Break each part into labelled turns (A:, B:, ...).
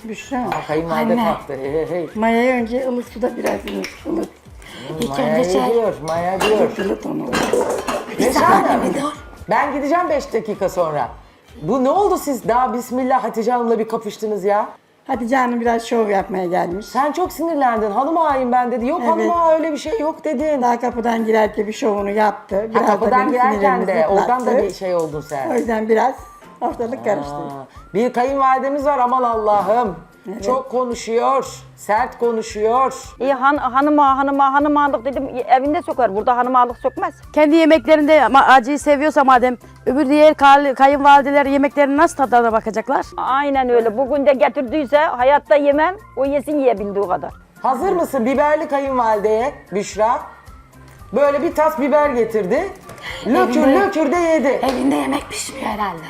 A: Büşra.
B: Kayınvalide
C: Anne.
B: taktı. Hey hey hey.
A: Mayayı önce ılık suda biraz ılık.
C: İlk
B: Maya
C: önce şey.
B: diyor, Maya diyor.
A: Ilık onu.
B: Neşe
C: saniye
B: Hanım,
C: bir dur.
B: ben gideceğim 5 dakika sonra. Bu ne oldu siz daha bismillah Hatice Hanım'la bir kapıştınız ya?
A: Hatice Hanım biraz şov yapmaya gelmiş.
B: Sen çok sinirlendin. Hanım ağayım ben dedi. Yok
A: Evet.
B: hanım ağa öyle bir şey yok dedin.
A: Daha kapıdan girerken bir şovunu yaptı. Biraz da
B: Kapıdan
A: benim
B: girerken
A: sinirlerimi
B: de oradan da
A: zıplattı.
B: bir şey oldun
A: O
B: sen.
A: yüzden biraz ortalık karıştı.
B: Bir kayınvalidemiz var aman Allah'ım. Çok konuşuyor, sert konuşuyor.
D: İyi hanım ağalık dedim evinde sokar. Burada hanım ağalık sokmaz.
E: Kendi yemeklerinde ama acıyı seviyorsa madem öbür diğer kayınvalideler yemeklerinin nasıl tadına bakacaklar?
D: Aynen öyle. Bugün de getirdiyse hayatta yemem. O yesin yiyebildiği kadar.
B: Hazır mısın biberli kayınvalideye Büşra? Böyle bir tas biber getirdi. Lökür lökür de yedi.
C: Evinde yemek pişmiyor herhalde.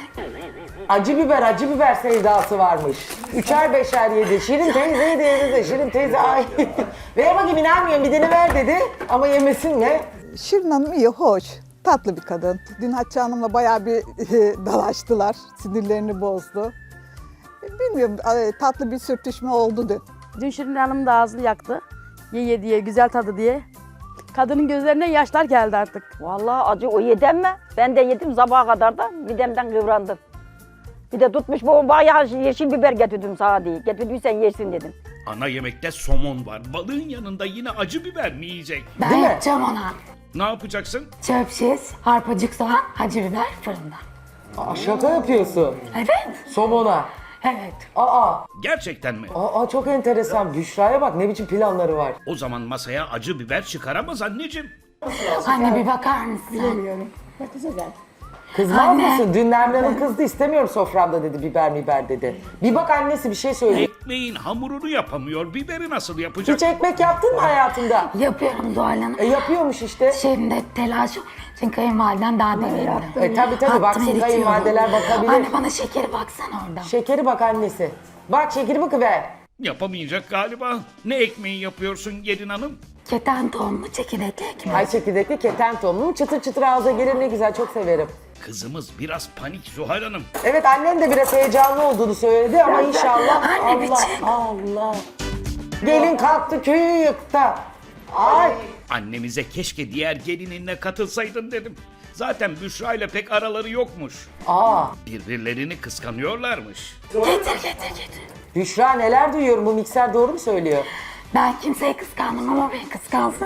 B: Acı biber sevdası varmış. Üçer beşer yedi. Şirin teyze yedi de Şirin teyze ay. Ver bakayım inanmıyorum bir ver dedi. Ama yemesin mi?
F: Şirin Hanım iyi, hoş. Tatlı bir kadın. Dün Hatice Hanım'la bayağı bir dalaştılar. Sinirlerini bozdu. Bilmiyorum, tatlı bir sürtüşme oldu dün.
E: Dün Şirin Hanım da ağzını yaktı. Ye diye, güzel tadı diye. Kadının gözlerine yaşlar geldi artık.
D: Vallahi acı o yedem mi? Ben de yedim sabaha kadar da midemden kıvrandım. Bir de tutmuş bu bayağı yeşil biber getirdim sana diye. Getirdiysen yersin dedim.
G: Ana yemekte somon var. Balığın yanında yine acı biber mi yiyecek?
C: Ben
B: Değil mi?
C: yapacağım ona.
G: Ne yapacaksın?
C: Çöp şiş, arpacık soğan, acı biber fırında.
B: Şaka yapıyorsun.
C: Evet.
B: Somona.
C: Evet.
B: Aa,
G: Gerçekten mi?
B: çok enteresan. Büşra'ya bak ne biçim planları var.
G: O zaman masaya acı biber çıkaramaz anneciğim.
C: Anne bir bakar mısın?
A: Bilmiyorum. Bakacağız zaten.
B: Kızmaz
C: Anne.
B: mısın? Dün Nermin Hanım kızdı istemiyorum soframda dedi biber dedi. Bir bak annesi bir şey söylüyor.
G: Ekmeğin hamurunu yapamıyor. Biberi nasıl yapacak?
B: Hiç ekmek yaptın mı hayatında?
C: Yapıyorum Zuhal Hanım.
B: Yapıyormuş işte.
C: Şimdi telaş çünkü kayınvaliden daha deneyimli.
B: Tabii
C: Attım,
B: baksın
C: eritiyorum.
B: kayınvalideler bakabilir.
C: Anne bana şekeri baksana oradan.
B: Şekeri bak annesi. Bak şekeri bakıver.
G: Yapamayacak galiba. Ne ekmeği yapıyorsun gelin hanım?
C: Keten tohumlu çekirdekli ekmek.
B: Ay çekirdekli keten tohumlu çıtır çıtır ağza gelir ne güzel çok severim.
G: Kızımız biraz panik Zuhal Hanım.
B: Evet annem de biraz heyecanlı olduğunu söyledi ama inşallah
C: Anne, bir
B: Allah
C: çek.
B: Allah. Gelin kalktı köyü yıktı. Ay.
G: Annemize keşke diğer gelininle katılsaydın dedim. Zaten Büşra ile pek araları yokmuş. Birbirlerini kıskanıyorlarmış.
C: Getir.
B: Büşra neler duyuyorum bu mikser doğru mu söylüyor?
C: Ben kimseyi kıskandım ama beni kıskansın.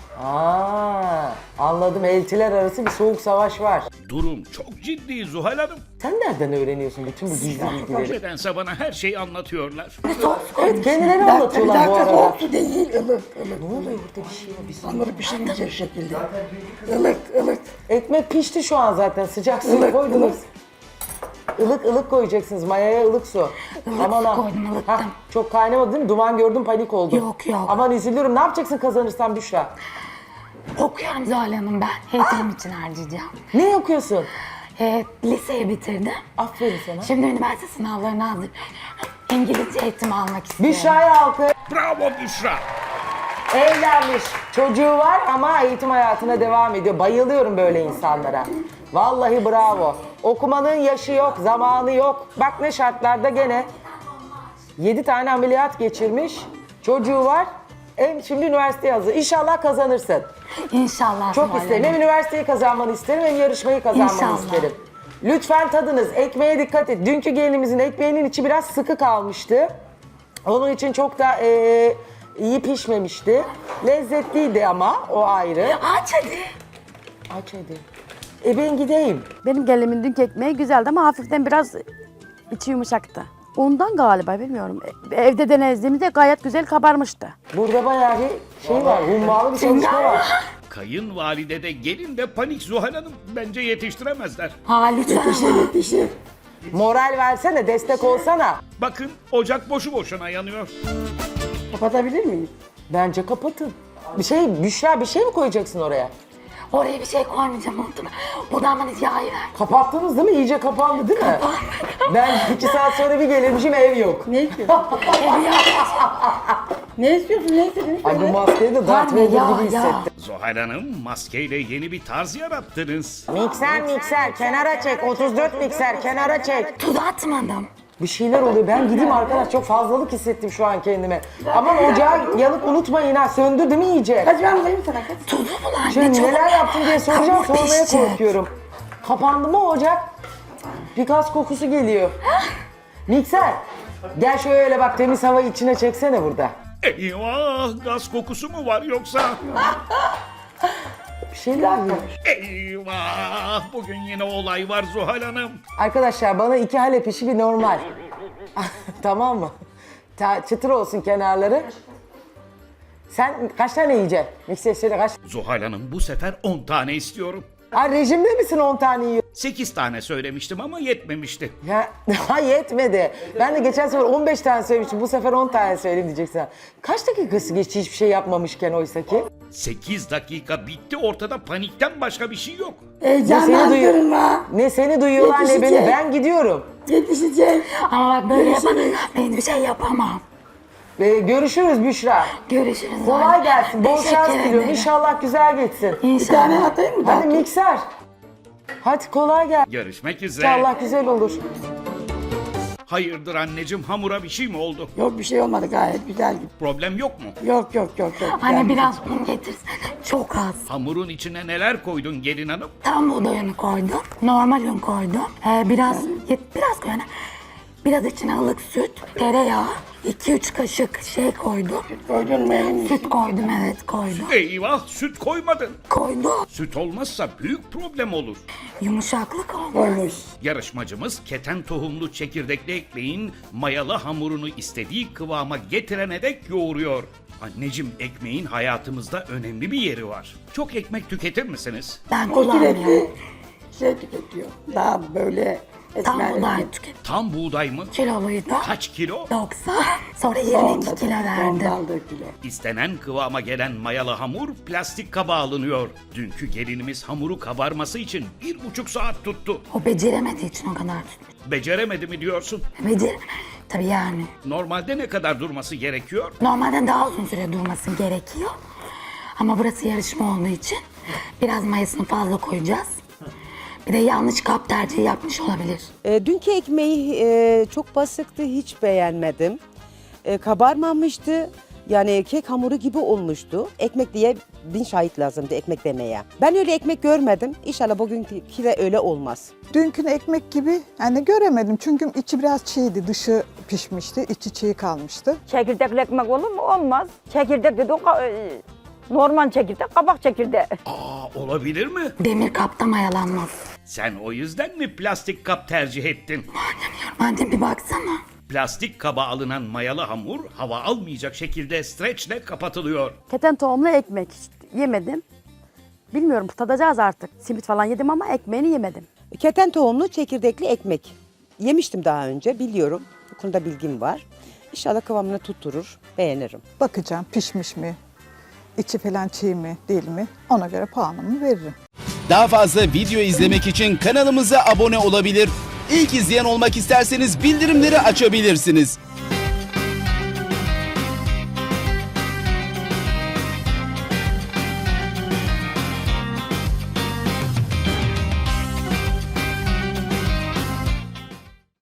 B: Anladım eltiler arası bir soğuk savaş var.
G: Durum çok ciddi Zuhal Hanım.
B: Sen nereden öğreniyorsun bütün bu gizli bilgileri?
G: Nedense bana her şeyi anlatıyorlar.
B: Evet kendileri
A: Bir
B: anlatıyorlar bu
A: dakika
B: arada.
A: soğuk su değil, ılık.
B: Ne oluyor burada bir şey var bir saniye.
A: Onları pişirince şekilde. Ilık.
B: Ekmek pişti şu an zaten sıcak suyu koydunuz. Ilık koyacaksınız mayaya ılık su.
C: Ilık su koydum, ılıttım.
B: Çok kaynamadı değil mi? Duman gördüm panik oldum.
C: Yok.
B: Aman üzülürüm ne yapacaksın kazanırsan Büşra?
C: Okuyorum Zuhal Hanım ben. Eğitim için harcayacağım.
B: Ne okuyorsun?
C: Liseyi bitirdim.
B: Aferin sana.
C: Şimdi üniversite sınavlarına hazır. İngilizce eğitim almak istiyorum.
B: Büşra'ya alkış.
G: Bravo Büşra.
B: Evlenmiş. Çocuğu var ama eğitim hayatına devam ediyor. Bayılıyorum böyle insanlara. Vallahi bravo. Okumanın yaşı yok, zamanı yok. Bak ne şartlarda gene 7 tane ameliyat geçirmiş. Çocuğu var. Şimdi üniversiteye hazır. İnşallah kazanırsın.
C: İnşallah
B: Çok
C: Zuhal
B: isterim.
C: Hanım.
B: Hem üniversiteyi kazanmanı isterim hem yarışmayı kazanmanı
C: İnşallah.
B: isterim. Lütfen tadınız. Ekmeğe dikkat et. Dünkü gelinimizin ekmeğinin içi biraz sıkı kalmıştı. Onun için çok da iyi pişmemişti. Lezzetliydi ama o ayrı.
C: Aç hadi.
B: Aç hadi. Ben gideyim.
E: Benim gelinimin dünkü ekmeği güzeldi ama hafiften biraz içi yumuşaktı. Ondan galiba bilmiyorum. Evde denediğimde gayet güzel kabarmıştı.
B: Burada bayağı bir şey var. Hummalı bir çalışma var.
G: Kayınvalide de gelin de panik Zuhal Hanım. Bence yetiştiremezler.
C: Lütfen.
B: Moral versene, destek olsana.
G: Bakın ocak boşu boşuna yanıyor.
A: Kapatabilir miyim?
B: Bence kapatın. Büşra bir şey mi koyacaksın oraya?
C: Oraya bir şey koymayacağım unuttum. Buradan bana yağı ver.
B: Kapattınız değil mi? İyice kapandı değil mi? Ben 2 saat sonra bir gelirmişim ev yok.
A: Ne istiyorsun? Ne istiyorsun? Ne istedin?
B: Ay bu
A: Söyle.
B: maskeyi de Darth
C: Anne,
B: Vader
C: ya,
B: gibi
C: ya.
B: hissettim.
G: Zuhal Hanım maskeyle yeni bir tarz yarattınız.
B: Mikser kenara çek. 34 mikser kenara çek.
C: Tuz atmadım.
B: Bir şeyler oluyor. Ben gideyim arkadaş, çok fazlalık hissettim şu an kendime. Aman ocağı yanıp unutmayın ha, söndü değil mi iyice?
A: Kaç ben bulayım sana kaç.
C: Tuzu mu lan?
B: Şimdi
C: çok-
B: neler yaptın diye soracağım,
C: Hamur
B: sormaya
C: pişecek.
B: korkuyorum. Kapandı mı ocak? Bir gaz kokusu geliyor. Mikser, gel şöyle bak, temiz havayı içine çeksene burada.
G: Eyvah, gaz kokusu mu var yoksa?
B: Bir şeyler var.
G: Eyvah, bugün yine olay var Zuhal Hanım.
B: Arkadaşlar bana 2 Halep işi bir normal. Tamam mı? Çıtır olsun kenarları. Sen kaç tane yiyeceksin? Mikser söyle kaç?
G: Zuhal Hanım bu sefer 10 tane istiyorum.
B: Ha, rejimde misin 10 tane yiyor?
G: 8 tane söylemiştim ama yetmemişti.
B: Ya ha, yetmedi. Ben de geçen sefer 15 tane söylemiştim. Bu sefer 10 tane söyleyeyim diyeceksin. Kaç dakikası geçti hiçbir şey yapmamışken oysa ki?
G: 8 dakika bitti, ortada panikten başka bir şey yok.
A: Heyecandan
B: duyuyor-
A: durma.
B: Ne seni duyuyorlar ne beni.
A: Yetişecek.
B: Ben gidiyorum.
A: Yetişecek.
C: Ama bak böyle yapamam. Ben bir şey yapamam.
B: Görüşürüz Büşra.
C: Görüşürüz.
B: Kolay
C: anne.
B: gelsin. Bol
C: Teşekkür
B: şans diliyorum.
C: ederim.
B: İnşallah güzel geçsin.
A: Bir tane atayım mı?
B: Hadi mikser. Hadi kolay gel.
G: Görüşmek üzere.
B: İnşallah güzel olur.
G: Hayırdır anneciğim, hamura bir şey mi oldu?
A: Yok bir şey olmadı, gayet güzel.
G: Problem yok mu?
A: Yok.
C: Anne biraz un getirsene. Çok az.
G: Hamurun içine neler koydun gelin hanım?
C: Tam buğday unu koydum. Normal un koydum. Biraz koy anne. Biraz içine ılık süt, tereyağı, 2-3 kaşık şey koydum.
A: Koydun mu elini?
C: Süt koydum, evet koydum.
G: Eyvah, süt koymadın.
C: Koydum.
G: Süt olmazsa büyük problem olur.
C: Yumuşaklık oldu.
A: Koymuş.
G: Yarışmacımız keten tohumlu çekirdekli ekmeğin mayalı hamurunu istediği kıvama getirene dek yoğuruyor. Anneciğim, ekmeğin hayatımızda önemli bir yeri var. Çok ekmek tüketir misiniz?
C: Ben
A: Sürekli
C: kullanmıyorum.
A: şey tüketiyor. Daha böyle
C: Tam
A: esmer.
C: buğday tüket.
G: Tam buğday mı?
C: Kiloluydu.
G: Kaç kilo?
C: 90. Sonra 22 kilo verdim.
A: Ondan da kilo.
G: İstenen kıvama gelen mayalı hamur plastik kaba alınıyor. Dünkü gelinimiz hamuru kabarması için 1,5 saat tuttu.
C: O beceremediği için o kadar tutmuş.
G: Beceremedi mi diyorsun?
C: Tabii yani.
G: Normalde ne kadar durması gerekiyor?
C: Normalde daha uzun süre durması gerekiyor. Ama burası yarışma olduğu için biraz mayasını fazla koyacağız. Bir de yanlış kap tercihi yapmış olabilir.
H: Dünkü ekmeği çok basitti, hiç beğenmedim. Kabarmamıştı. Yani kek hamuru gibi olmuştu. Ekmek diye 1000 şahit lazımdı ekmek demeye. Ben öyle ekmek görmedim. İnşallah bugünkü de öyle olmaz.
F: Dünkü ekmek gibi yani göremedim çünkü içi biraz çiğdi, dışı pişmişti, içi çiğ kalmıştı.
D: Çekirdekli ekmek olur mu? Olmaz. Çekirdek dedi normal çekirdek, kabak çekirdeği.
G: Olabilir mi?
C: Demir kapta mayalanmaz.
G: Sen o yüzden mi plastik kap tercih ettin?
C: Annem bir baksana.
G: Plastik kaba alınan mayalı hamur hava almayacak şekilde streçle kapatılıyor.
E: Keten tohumlu ekmek hiç yemedim. Bilmiyorum, tadacağız artık. Simit falan yedim ama ekmeğini yemedim.
H: Keten tohumlu çekirdekli ekmek. Yemiştim daha önce, biliyorum. Bu konuda bilgim var. İnşallah kıvamını tutturur, beğenirim.
F: Bakacağım pişmiş mi, içi falan çiğ mi değil mi, ona göre puanımı veririm.
I: Daha fazla video izlemek için kanalımıza abone olabilir. İlk izleyen olmak isterseniz bildirimleri açabilirsiniz.